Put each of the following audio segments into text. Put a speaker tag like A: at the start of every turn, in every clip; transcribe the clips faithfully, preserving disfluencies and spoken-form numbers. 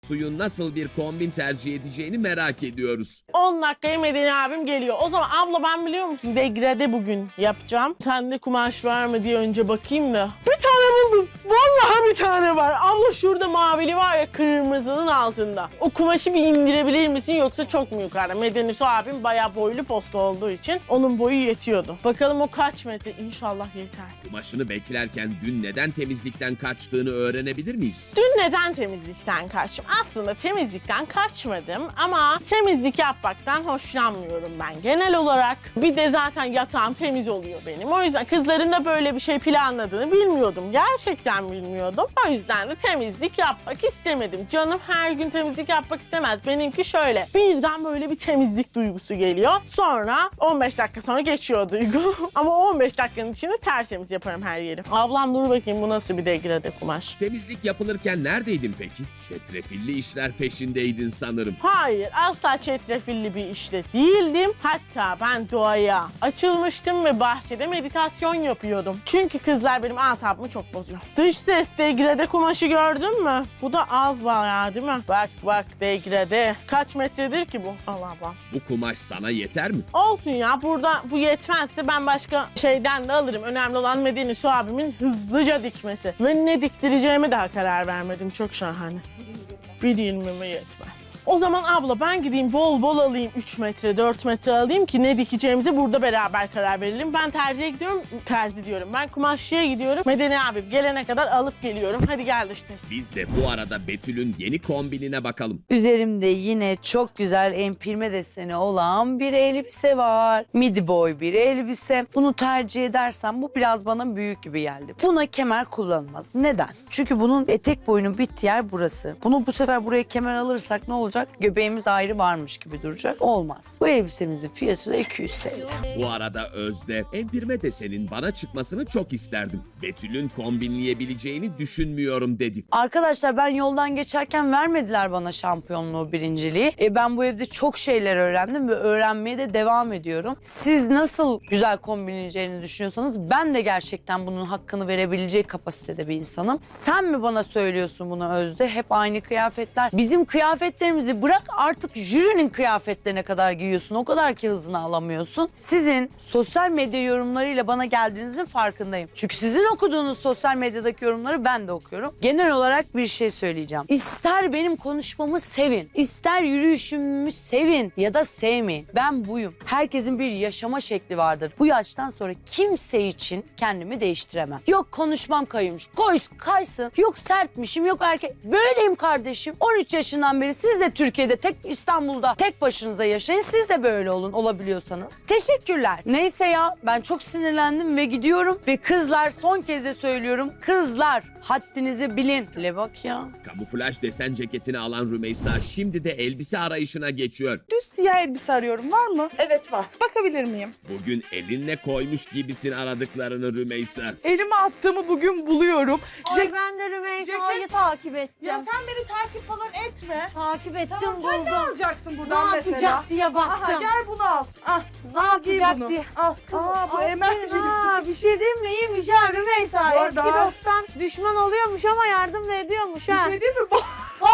A: Suyun nasıl bir kombin tercih edeceğini merak ediyoruz.
B: on dakikaya Medeni abim geliyor. O zaman abla ben biliyor musun degrade bugün yapacağım. Sende kumaş var mı diye önce bakayım da. Bir tane buldum. Vallahi bir tane var. Abla şurada mavili var ya kırmızının altında. O kumaşı bir indirebilir misin yoksa çok mu yukarıda? Medeni Su abim bayağı boylu posta olduğu için onun boyu yetiyordu. Bakalım o kaç metre? İnşallah yeter.
A: Kumaşını beklerken dün neden temizlikten kaçtığını öğrenebilir miyiz?
B: Dün neden temizlikten kaçtım? Aslında temizlikten kaçmadım ama temizlik yapmaktan hoşlanmıyorum ben genel olarak. Bir de zaten yatağım temiz oluyor benim. O yüzden kızların da böyle bir şey planladığını bilmiyordum. Gerçekten bilmiyordum. O yüzden de temizlik yapmak istemedim. Canım her gün temizlik yapmak istemez. Benimki şöyle. Birden böyle bir temizlik duygusu geliyor. Sonra on beş dakika sonra geçiyor o duygu. Ama on beş dakikanın içinde tertemiz yaparım her yeri. Ablam dur bakayım bu nasıl bir degrade kumaş.
A: Temizlik yapılırken neredeydin peki? Çetrefilli işler peşindeydin sanırım.
B: Hayır, asla çetrefilli bir işte değildim. Hatta ben doğaya açılmıştım ve bahçede meditasyon yapıyordum. Çünkü kızlar benim asabımı çok bozuyor. Dış ses degrade kumaşı gördün mü? Bu da az bayağı değil mi? Bak bak degrade. Kaç metredir ki bu? Allah bak.
A: Bu kumaş sana yeter mi?
B: Olsun ya burada bu yetmezse ben başka şeyden de alırım. Önemli olan Medeni Su abimin hızlıca dikmesi. Ve ne diktireceğime daha karar vermedim. Çok şahane. Bir yirmime yetmez. O zaman abla ben gideyim bol bol alayım üç metre, dört metre alayım ki ne dikeceğimize burada beraber karar verelim. Ben terziye gidiyorum, terzi diyorum. Ben kumaşçıya gidiyorum. Medeni abim gelene kadar alıp geliyorum. Hadi gel işte.
A: Biz de bu arada Betül'ün yeni kombinine bakalım.
C: Üzerimde yine çok güzel empirme deseni olan bir elbise var. Midi boy bir elbise. Bunu tercih edersem bu biraz bana büyük gibi geldi. Buna kemer kullanılmaz. Neden? Çünkü bunun etek boyunun bittiği yer burası. Bunu bu sefer buraya kemer alırsak ne olacak? Göbeğimiz ayrı varmış gibi duracak. Olmaz. Bu elbisemizin fiyatı da iki yüz T L.
A: Bu arada Özde, empirme desenin bana çıkmasını çok isterdim. Betül'ün kombinleyebileceğini düşünmüyorum dedi.
C: Arkadaşlar ben yoldan geçerken vermediler bana şampiyonluğu, birinciliği. E ben bu evde çok şeyler öğrendim ve öğrenmeye de devam ediyorum. Siz nasıl güzel kombinleyeceğini düşünüyorsanız ben de gerçekten bunun hakkını verebilecek kapasitede bir insanım. Sen mi bana söylüyorsun bunu Özde? Hep aynı kıyafetler. Bizim kıyafetlerimizi bırak artık jürinin kıyafetlerine kadar giyiyorsun. O kadar ki hızını alamıyorsun. Sizin sosyal medya yorumlarıyla bana geldiğinizin farkındayım. Çünkü sizin okuduğunuz sosyal medyadaki yorumları ben de okuyorum. Genel olarak bir şey söyleyeceğim. İster benim konuşmamı sevin, ister yürüyüşümü sevin ya da sevmeyin. Ben buyum. Herkesin bir yaşama şekli vardır. Bu yaştan sonra kimse için kendimi değiştiremem. Yok konuşmam kayıyormuş. Koy, kaysın. Yok sertmişim, yok erkek. Böyleyim kardeşim. on üç yaşından beri siz de Türkiye'de tek İstanbul'da tek başınıza yaşayın. Siz de böyle olun olabiliyorsanız. Teşekkürler. Neyse ya ben çok sinirlendim ve gidiyorum. Ve kızlar son kez de söylüyorum. Kızlar haddinizi bilin. Le bak ya.
A: Kamuflaj desen ceketini alan Rümeysa şimdi de elbise arayışına geçiyor.
D: Düz siyah elbise arıyorum. Var mı?
E: Evet var.
D: Bakabilir miyim?
A: Bugün elinle koymuş gibisin aradıklarını Rümeysa.
D: Elime attığımı bugün buluyorum.
E: Ay
D: Cek-
E: ben de Rümeysa'yı
D: ceket-
E: takip ettim.
D: Ya sen beni takip falan etme.
E: Takip ettim
D: Tamam sen ne
E: buldum.
D: alacaksın
E: Ne
D: buradan
E: yapacak
D: mesela?
E: diye baktım.
D: Aha gel bunu al. Ah,
E: Ne
D: al giy
E: yapacak
D: bunu.
E: diye.
D: Al. Aa bu
E: Aferin
D: Emel gibi.
E: ha, bir şey diyeyim mi? İyiymiş ha Rümeysa.
D: Bu
E: Eski
D: arada-
E: dosttan düşman oluyormuş ama yardım da ediyormuş
D: Bir
E: ha.
D: şey değil mi bu?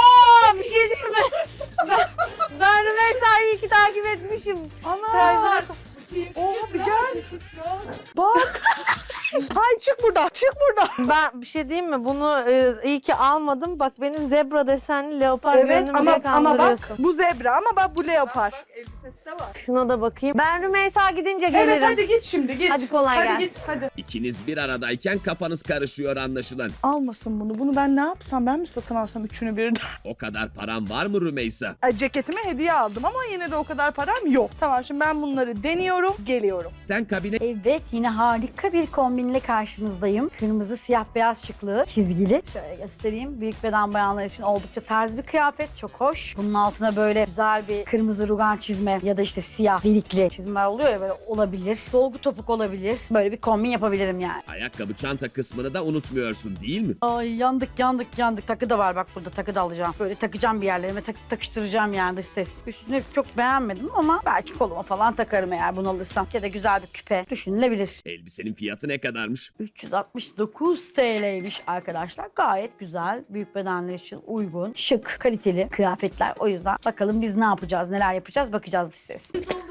E: Aa bir şey diyeyim mi? ben, ben Rümeysa'yı iyi ki takip etmişim.
D: Ana. Oha bir gel. Bak. Hay çık buradan. Çık buradan.
E: Ben bir şey diyeyim mi? Bunu e, iyi ki almadım. Bak beni zebra desenli leopar
D: Evet
E: görünümlüye
D: ama ama bak
E: kandırıyorsun.
D: bu zebra ama bak bu leopar.
E: Şuna da bakayım. Ben Rümeysa gidince gelirim.
D: Evet hadi git şimdi git.
E: Hadi kolay
D: hadi
E: gelsin.
D: Git, hadi.
A: İkiniz bir aradayken kafanız karışıyor anlaşılan.
D: Almasın bunu. Bunu ben ne yapsam? Ben mi satın alsam üçünü birden?
A: O kadar param var mı Rümeysa?
D: Ay, ceketime hediye aldım ama yine de o kadar param yok. Tamam şimdi ben bunları deniyorum. Geliyorum.
A: Sen kabine
F: Evet, yine harika bir kombinle karşınızdayım. Kırmızı, siyah, beyaz şıklı, çizgili. Şöyle göstereyim. Büyük beden bayanlar için oldukça tarz bir kıyafet. Çok hoş. Bunun altına böyle güzel bir kırmızı rugan çizme ya ya da işte siyah delikli çizmeler oluyor ya, böyle olabilir. Dolgu topuk olabilir. Böyle bir kombin yapabilirim yani.
A: Ayakkabı çanta kısmını da unutmuyorsun değil mi?
F: Ay yandık yandık yandık. Takı da var bak, burada takı da alacağım. Böyle takacağım bir yerlerime, tak takıştıracağım yani dış ses. Üstünü çok beğenmedim ama belki koluma falan takarım eğer bunu alırsam. Ya da güzel bir küpe düşünülebilir.
A: Elbisenin fiyatı ne kadarmış?
F: üç yüz altmış dokuz T L'ymiş arkadaşlar. Gayet güzel. Büyük bedenler için uygun. Şık, kaliteli kıyafetler. O yüzden bakalım biz ne yapacağız, neler yapacağız bakacağız dış ses.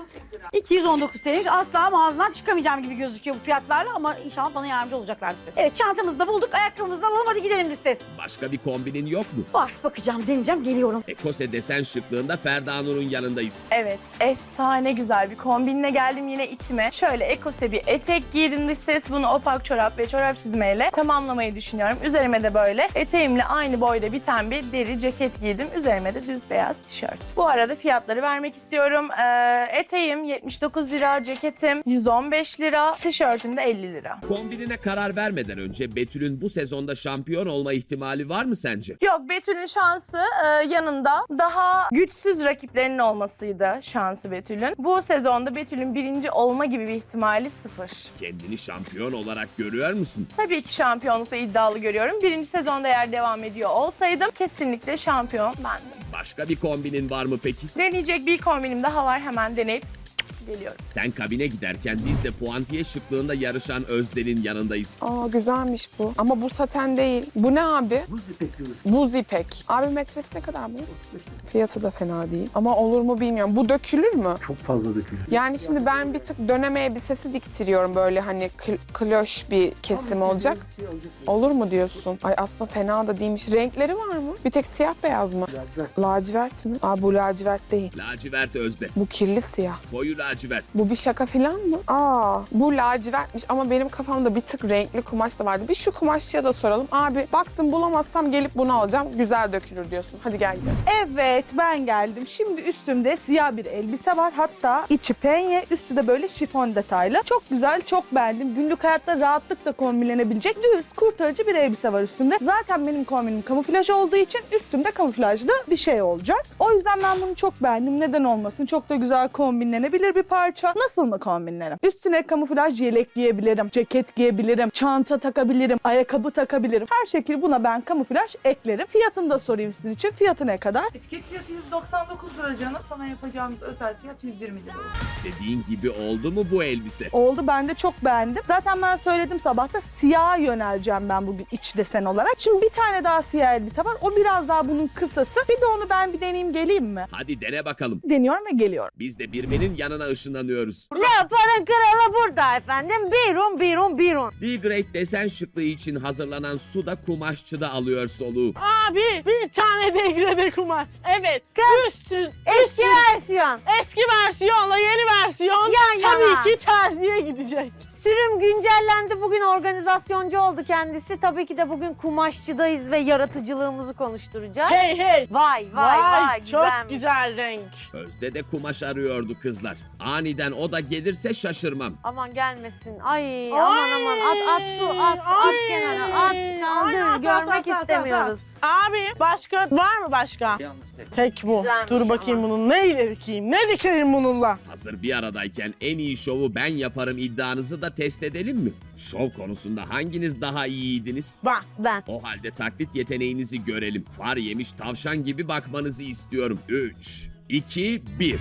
F: iki yüz on dokuz T L'ymiş. Asla mağazadan çıkamayacağım gibi gözüküyor bu fiyatlarla ama inşallah bana yardımcı olacaklar dış ses. Evet, çantamızı da bulduk. Ayakkabımızı da alalım, hadi gidelim dış ses.
A: Başka bir kombinin yok mu?
F: Var, bakacağım, deneyeceğim, geliyorum.
A: Ekose desen şıklığında Ferda Nur'un yanındayız.
G: Evet, efsane güzel bir kombinle geldim yine içime. Şöyle ekose bir etek giydim dış ses. Bunu opak çorap ve çorap çizmeyle tamamlamayı düşünüyorum. Üzerime de böyle eteğimle aynı boyda biten bir deri ceket giydim. Üzerime de düz beyaz tişört. Bu arada fiyatları vermek istiyorum. Ee, eteğim yetmiş dokuz lira, ceketim yüz on beş lira, tişörtüm de elli lira.
A: Kombinine karar vermeden önce Betül'ün bu sezonda şampiyon olma ihtimali var mı sence?
G: Yok, Betül'ün şansı e, yanında daha güçsüz rakiplerinin olmasıydı şansı Betül'ün. Bu sezonda Betül'ün birinci olma gibi bir ihtimali sıfır.
A: Kendini şampiyon olarak görüyor musun?
G: Tabii ki şampiyonlukta iddialı görüyorum. Birinci sezonda eğer devam ediyor olsaydım kesinlikle şampiyon bendim.
A: Başka bir kombinin var mı peki?
G: Deneyecek bir kombinim daha var, hemen deneyip geliyorum.
A: Sen kabine giderken biz de puantiye şıklığında yarışan Özden'in yanındayız.
H: Aa, güzelmiş bu. Ama bu saten değil. Bu ne abi? Buz ipek diyoruz. Buz ipek. Abi metresi ne kadar bu? Fiyatı da fena değil. Ama olur mu bilmiyorum. Bu dökülür mü?
I: Çok fazla dökülür.
H: Yani şimdi ben bir tık döneme elbisesi diktiriyorum, böyle hani kl- kloş bir kesim olacak. Olur mu diyorsun? Ay aslında fena da değilmiş. Renkleri var mı? Bir tek siyah beyaz mı?
I: Lacivert.
H: Lacivert mi? Aa, bu lacivert değil.
A: Lacivert Özde.
H: Bu kirli siyah.
A: Koyu lacivert.
H: Bu bir şaka falan mı? Aa, bu lacivertmiş ama benim kafamda bir tık renkli kumaş da vardı. Bir şu kumaşçıya da soralım. Abi baktım bulamazsam gelip bunu alacağım. Güzel dökülür diyorsun. Hadi gel gel.
D: Evet, ben geldim. Şimdi üstümde siyah bir elbise var. Hatta içi penye, üstü de böyle şifon detaylı. Çok güzel, çok beğendim. Günlük hayatta rahatlıkla kombinlenebilecek düz, kurtarıcı bir elbise var üstümde. Zaten benim kombinim kamuflaj olduğu için üstümde kamuflajlı bir şey olacak. O yüzden ben bunu çok beğendim. Neden olmasın? Çok da güzel kombinlenebilir bir parça. Nasıl mı kombinlerim? Üstüne kamuflaj yelek giyebilirim, ceket giyebilirim, çanta takabilirim, ayakkabı takabilirim. Her şekilde buna ben kamuflaj eklerim. Fiyatını da sorayım sizin için. Fiyatı ne kadar?
J: Etiket fiyatı yüz doksan dokuz lira canım. Sana yapacağımız özel fiyat yüz yirmi lira.
A: İstediğin gibi oldu mu bu elbise?
D: Oldu, ben de çok beğendim. Zaten ben söyledim sabahta, siyaha yöneleceğim ben bugün iç desen olarak. Şimdi bir tane daha siyah elbise var. O biraz daha bunun kısası. Bir de onu ben bir deneyeyim, geleyim mi?
A: Hadi dene bakalım.
D: Deniyorum ve geliyorum.
A: Biz de Birmen'in yanına ışınlanıyoruz.
E: Leopar'ın kralı burada efendim. Birun, birun, birun.
A: D-Grade desen şıklığı için hazırlanan Suda kumaşçıda alıyor soluğu.
B: Abi bir tane degrede kumaş. Evet. Üstün,
E: Eski versiyon.
B: eski versiyonla yeni versiyon
E: Yan yana.
B: tabii ki terziye gidecek.
E: Sürüm güncellendi. Bugün organizasyoncu oldu kendisi. Tabii ki de bugün kumaşçıdayız ve yaratıcılığımızı konuşturacağız.
B: Hey hey.
E: Vay vay vay,
B: çok
E: güzelmiş.
B: güzel renk.
A: Özde de kumaş arıyordu kızlar. Aniden o da gelirse şaşırmam.
E: Aman gelmesin. Ay, aman aman at at su at at
B: Ay,
E: kenara at
B: ay,
E: kaldır
B: at, at,
E: görmek
B: at, at,
E: istemiyoruz.
B: Abi başka var mı başka? Tek bu.
E: Güzelmiş
B: Dur bakayım
E: ama.
B: bunun neyle dikeyim? Ne dikeyim bununla?
A: Hazır bir aradayken en iyi şovu ben yaparım iddianızı da test edelim mi? Şov konusunda hanginiz daha iyiydiniz?
B: Bak.
E: Ben.
A: O halde taklit yeteneğinizi görelim. Far yemiş tavşan gibi bakmanızı istiyorum. üç, iki, bir.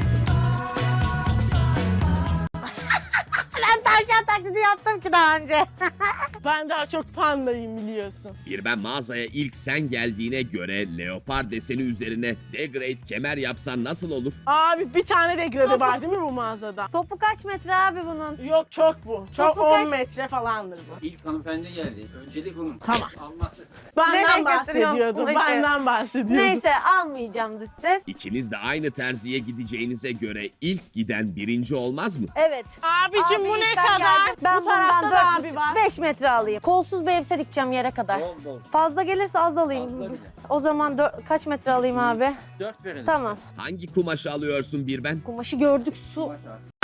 E: Ben tavşan taklidi yaptım ki daha önce.
B: Ben daha çok pandayım biliyorsun.
A: Bir ben mağazaya ilk sen geldiğine göre leopar deseni üzerine degrade kemer yapsan nasıl olur?
B: Abi bir tane degrade var değil mi bu mağazada?
E: Topu kaç metre abi bunun?
B: Yok çok bu. Çok
E: Topu kaç-
B: on metre falandır bu.
I: İlk hanımefendi geldi. Öncelik onun.
B: Tamam.
I: Almazsa
B: Benden
E: Nereye
B: bahsediyordum.
E: götürüyorsun bu işi?
B: Benden bahsediyordum.
E: Neyse almayacağım dış ses.
A: İkiniz de aynı terziye gideceğinize göre ilk giden birinci olmaz mı?
E: Evet.
B: Abicim
E: Abi
B: bu ne
E: ilk ben
B: kadar?
E: geldim. Ben
B: bu tarafta
E: bundan
B: da
E: dört
B: abi var.
E: beş metre alayım. Kolsuz bir elbise dikeceğim yere kadar.
I: Bol bol.
E: Fazla gelirse az alayım.
I: Fazla bile.
E: O zaman dört- kaç metre alayım abi?
I: Dört verelim.
E: Tamam.
A: Hangi kumaşı alıyorsun bir ben?
E: Kumaşı gördük su.
I: Kumaş artık.